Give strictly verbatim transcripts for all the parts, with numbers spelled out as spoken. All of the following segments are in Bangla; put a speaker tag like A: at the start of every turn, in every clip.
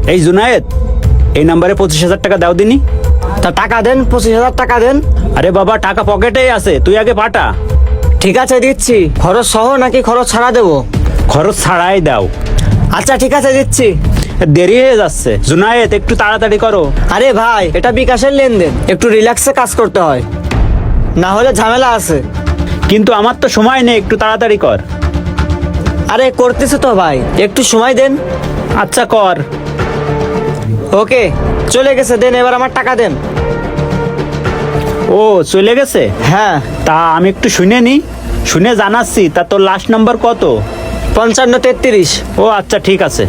A: এই জুনায়েদ, এই নাম্বারে পঁচিশ হাজার টাকা দাও দিনি।
B: তা টাকা দেন, পঁচিশ হাজার টাকা দেন।
A: আরে বাবা, টাকা পকেটেই আছে, তুই আগে পাঠা।
B: ঠিক আছে দিচ্ছি। খরচ সহ নাকি খরচ ছাড়া দেবো?
A: খরচ ছাড়াই দাও।
B: আচ্ছা ঠিক আছে দিচ্ছি।
A: দেরি হয়ে যাচ্ছে জুনায়েদ, একটু তাড়াতাড়ি করো।
B: আরে ভাই, এটা বিকাশের লেনদেন, একটু রিল্যাক্সে কাজ করতে হয়, না হলে ঝামেলা আছে।
A: কিন্তু আমার তো সময় নেই, একটু তাড়াতাড়ি কর।
B: আরে করতেছে তো ভাই, একটু সময় দেন।
A: আচ্ছা কর।
B: ওকে, চলে গেছে, দেন এবার আমার টাকা দেন।
A: ও চলে গেছে?
B: হ্যাঁ।
A: তা আমি একটু শুনে নি, শুনে জানাচ্ছি। তা তোর লাস্ট নাম্বার কত?
B: পঞ্চান্ন তেত্রিশ।
A: ও আচ্ছা ঠিক আছে।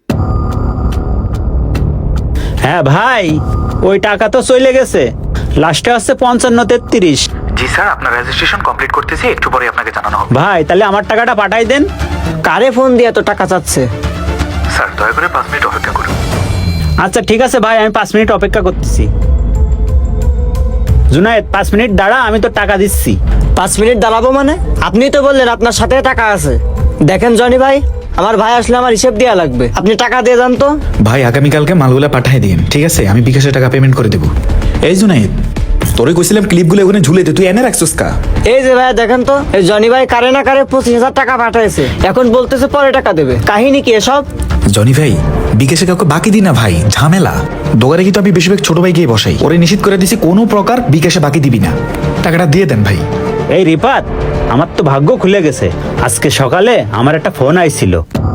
A: হ্যাঁ ভাই, ওই টাকা তো চলে গেছে, লাস্টে হচ্ছে পঞ্চান্ন তেত্রিশ।
C: জি স্যার, আপনার রেজিস্ট্রেশন কমপ্লিট করতেছি, একটু পরে আপনাকে জানানো হবে।
A: ভাই তাহলে আমার টাকাটা পাঠাই দেন।
B: কারে ফোন দিয়ে এত টাকা চাচ্ছে?
C: স্যার দয়া করে পাঁচ মিনিট অপেক্ষা করুন।
A: আচ্ছা ঠিক আছে ভাই, আমি পাঁচ মিনিট অপেক্ষা করতেছি। জুনায়েদ পাঁচ মিনিট দাঁড়া, আমি তো টাকা দিচ্ছি।
B: পাঁচ মিনিট দাঁড়াবো মানে? আপনি তো বললেন আপনার সাথে টাকা আছে। দেখেন জনি ভাই, আমার ভাই আসলে আমার হিসেব দেওয়া লাগবে, আপনি টাকা দিয়ে যান তো।
D: ভাই আগামীকালকে মালগুলা পাঠিয়ে দিন, ঠিক আছে? আমি বিকাশে টাকা পেমেন্ট করে দেবো। এই জুনাইদ, তোরে কইছিলাম ক্লিপগুলো ওখানে ঝুলেতে, তুই এনে রাখছিস কা?
B: এই যে ভাই দেখেন তো, এই জনি ভাই কারে না কারে পঁচিশ হাজার টাকা পাঠাইছে, এখন বলতেছে পরে টাকা দেবে। কাহিনী কি এসব?
D: জনি ভাই, বিকাশে কাউকে বাকি দিই না ভাই, ঝামেলা। দোকানে কিন্তু আমি বেশিরভাগ ছোট ভাই গিয়ে বসাই, ওরে নিশ্চিত করে দিছি কোনো প্রকার বিকাশে বাকি দিবি না। টাকাটা দিয়ে দেন ভাই।
A: এই রিপাত, আমার তো ভাগ্য খুলে গেছে। আজকে সকালে আমার একটা ফোন আইছিল।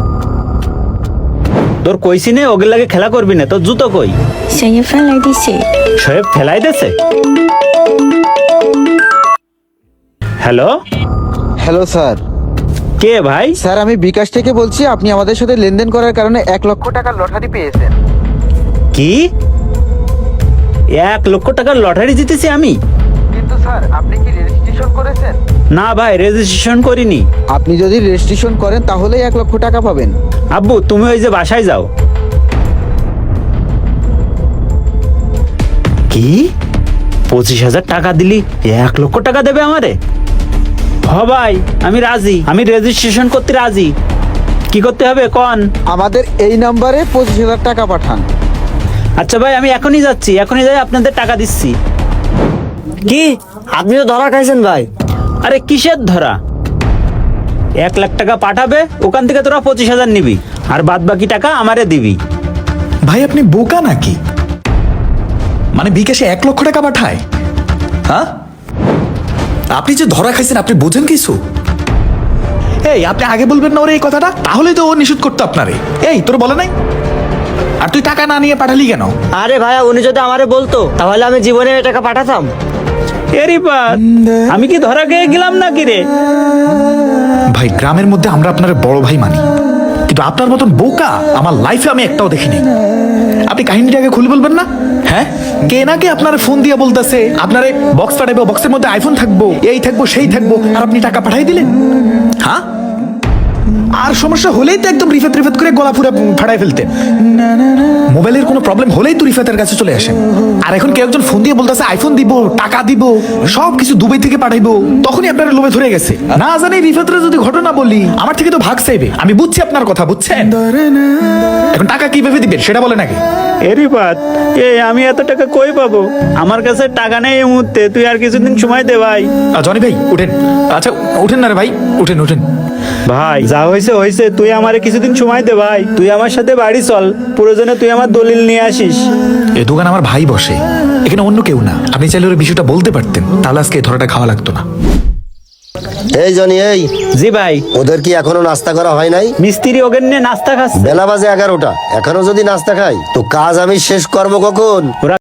A: তোর কইছি নে ওগুলো লাগে খেলা করবি না, তোর জুতো কই?
E: 小叶翻来的水。
A: শোয়েব ফেলাই দেছে। Hello,
F: hello sir.
A: কে ভাই?
F: স্যার আমি বিকাশ থেকে বলছি, আপনি আমাদের সাথে লেনদেন করার কারণে এক লক্ষ টাকার লটারি পেয়েছেন।
A: কি এক লক্ষ টাকার লটারি জিতেছি আমি?
F: কিন্তু স্যার আপনি কি রেজিস্ট্রেশন করেছেন?
A: না ভাই, রেজিস্ট্রেশন করিনি।
F: আপনি যদি রেজিস্ট্রেশন করেন তাহলেই এক লক্ষ টাকা পাবেন।
A: আব্বু তুমি ওই যে বাসায় যাও। কি পঁচিশ হাজার টাকা দিলি এক লক্ষ টাকা দেবে আমারে? হ ভাই, আমি রাজি, আমি রেজিস্ট্রেশন করতে রাজি। কি করতে হবে কন?
F: আমাদের এই নাম্বারে পঁচিশ হাজার টাকা পাঠান।
A: আচ্ছা ভাই, আমি এখনই যাচ্ছি, এখনই যাই আপনাদের টাকা দিচ্ছি।
B: কি, আপনি তো ধরা খাইছেন ভাই।
A: আরে কিসের ধরা? এক লাখ টাকা পাঠাবে, ওখান থেকে তোরা পঁচিশ হাজার নিবি, আর বাদ বাকি টাকা আমারে দিবি।
D: ভাই আপনি বোকা নাকি? মানে বিকাশে এক লক্ষ টাকা পাঠায়? হ্যাঁ, আপনি যে ধরা খাইছেন আপনি বোঝেন কিছু? এই আপনি আগে বলবেন না ওরে এই কথাটা, তাহলে তো ও নিষেধ করতো আপনারে। এই তোর বলে নাই? আর তুই টাকা না নিয়ে পাঠালি কেন?
B: আরে ভাইয়া, উনি যদি আমারে বলতো তাহলে আমি জীবনে এই টাকা পাঠাতাম।
A: এ রিপাত, আমি কি ধরা খেয়ে গেলাম নাকি রে?
D: ভাই গ্রামের মধ্যে আমরা আপনার বড় ভাই মানি, কিন্তু আপনার মতন বোকা আমার লাইফে আমি একটাও দেখিনি। আপনি কাহিনীটা আগে খুলে বলবেন না? হ্যাঁ, কে নাকি আপনার ফোন দিয়ে বলতেছে আপনারে বক্স পাঠাইবো, বক্সের মধ্যে আইফোন থাকবো, এই থাকবো সেই থাকবো, আর আপনি টাকা পাঠাই দিলেন? হ্যাঁ, আর সমস্যা হলেই তো একদম রিফাত রিফাত করে গলা পুরো ফাটাই ফেলতেন। মোবাইলের কোনো প্রবলেম হলেই তো রিফাতের কাছে চলে আসেন। আর এখন কেউ একজন ফোন দিয়ে বলতেছে আইফোন দিব, টাকা দিব, সব কিছু দুবাই থেকে পাঠাইবো, তখনই আপনার লোভে ধরে গেছে। না জানি রিফাতের যদি ঘটনা বলি, আমার থেকে তো ভাগ চাইবে। আমি বুঝছি আপনার কথা, বুঝছেন? এখন টাকা কিভাবে দিবেন সেটা বলে নাকি?
A: এ রিপাত, এ আমি এত টাকা কই পাবো? আমার কাছে টাকা নেই এই মুহূর্তে, তুই আর কিছুদিন সময় দে ভাই।
D: আহ, জনি ভাই উঠেন। আচ্ছা উঠেন না রে ভাই, উঠেন উঠেন।
A: ভাই যা হয়েছে হয়েছে, তুই আমারে কিছুদিন সময় দে ভাই। তুই আমার সাথে বাড়ি চল, প্রয়োজনে তুই আমার দলিল নিয়ে আসিস।
D: এ দোকান আমার ভাই বসে, এখানে অন্য কেউ না। আপনি চাইলে ওর বিষয়টা বলতে পারতেন, তাহলে আজকে এই ধরাটা খাওয়া লাগতো না।
G: এই জনি, এই
A: জি ভাই।
G: ওদের কি এখনো নাস্তা করা হয় নাই?
A: মিস্ত্রি ওগেন নিয়ে নাস্তা খাচ্ছে।
G: বেলা বাজে এগারোটা, এখনো যদি নাস্তা খাই তো কাজ আমি শেষ করবো কখন?
A: ওরা